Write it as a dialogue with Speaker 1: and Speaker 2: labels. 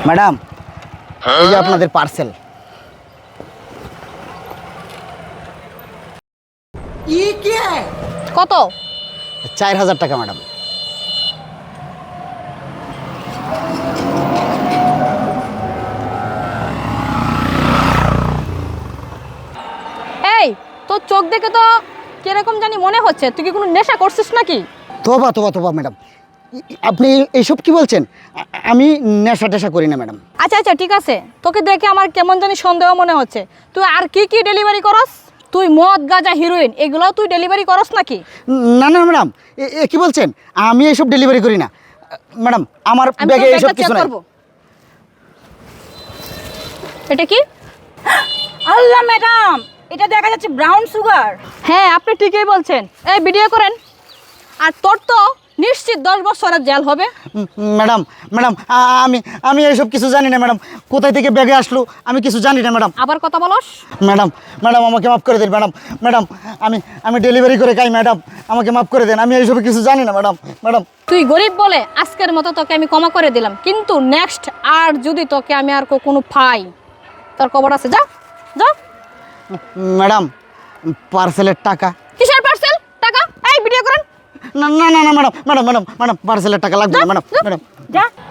Speaker 1: Madam, এই যে আপনাদের পার্সেল।
Speaker 2: কত?
Speaker 1: 4000 টাকা ম্যাডাম।
Speaker 2: এই তোর চোখ দেখে তো কিরকম জানি মনে হচ্ছে, তুই কি কোনো নেশা করছিস নাকি?
Speaker 1: তোবা তোবা তোবা ম্যাডাম, আপনি এইসব কি বলছেন? আমি নেশা টেশা করি না ম্যাডাম।
Speaker 2: আচ্ছা আচ্ছা ঠিক আছে, তোকে দেখে আমার কেমন জানি সন্দেহ মনে হচ্ছে। তুই আর কি কি ডেলিভারি করস? তুই মদ গাঁজা হিরোইন এগুলোও তুই ডেলিভারি করস নাকি?
Speaker 1: না না ম্যাডাম, এ কি বলছেন? আমি এইসব ডেলিভারি করি না ম্যাডাম। আমার
Speaker 2: আমি
Speaker 1: ব্যাগে
Speaker 2: তোর
Speaker 1: এইসব
Speaker 2: ব্যাগটা
Speaker 1: কিছু
Speaker 2: চেক
Speaker 1: নাই।
Speaker 2: করব। এটা কি?
Speaker 3: আল্লাহ ম্যাডাম, এটা দেখা যাচ্ছে ব্রাউন সুগার।
Speaker 2: হ্যাঁ আপনি ঠিকই বলছেন। এই ভিডিও করেন। আর তোর তো নিশ্চিত 10 বছরের জেল হবে।
Speaker 1: ম্যাডাম ম্যাডাম, আমি আমি এইসব কিছু জানি না ম্যাডাম। কোথায় থেকে ব্যাগে আসলো আমি কিছু জানি না ম্যাডাম।
Speaker 2: আবার কথা বলস?
Speaker 1: ম্যাডাম ম্যাডাম, আমাকে মাফ করে দিন ম্যাডাম। ম্যাডাম, আমি ডেলিভারি করে খাই ম্যাডাম, আমাকে মাফ করে দেন। আমি এইসব কিছু জানি না ম্যাডাম। ম্যাডাম,
Speaker 2: তুই গরিব বলে আজকের মতো তোকে আমি ক্ষমা করে দিলাম, কিন্তু নেক্সট আর যদি তোকে আমি আর কোনো পাই, তোর খবর আছে। যা যা।
Speaker 1: ম্যাডাম, পার্সেলের টাকা।
Speaker 2: কিসের পার্সেল? টাকা? এই ভিডিও করেন।
Speaker 1: না না না না ম্যাডাম, ম্যাডাম ম্যাডাম ম্যাডাম, পার্সেলের টাকা লাগবে না ম্যাডাম। ম্যাডাম,
Speaker 3: যা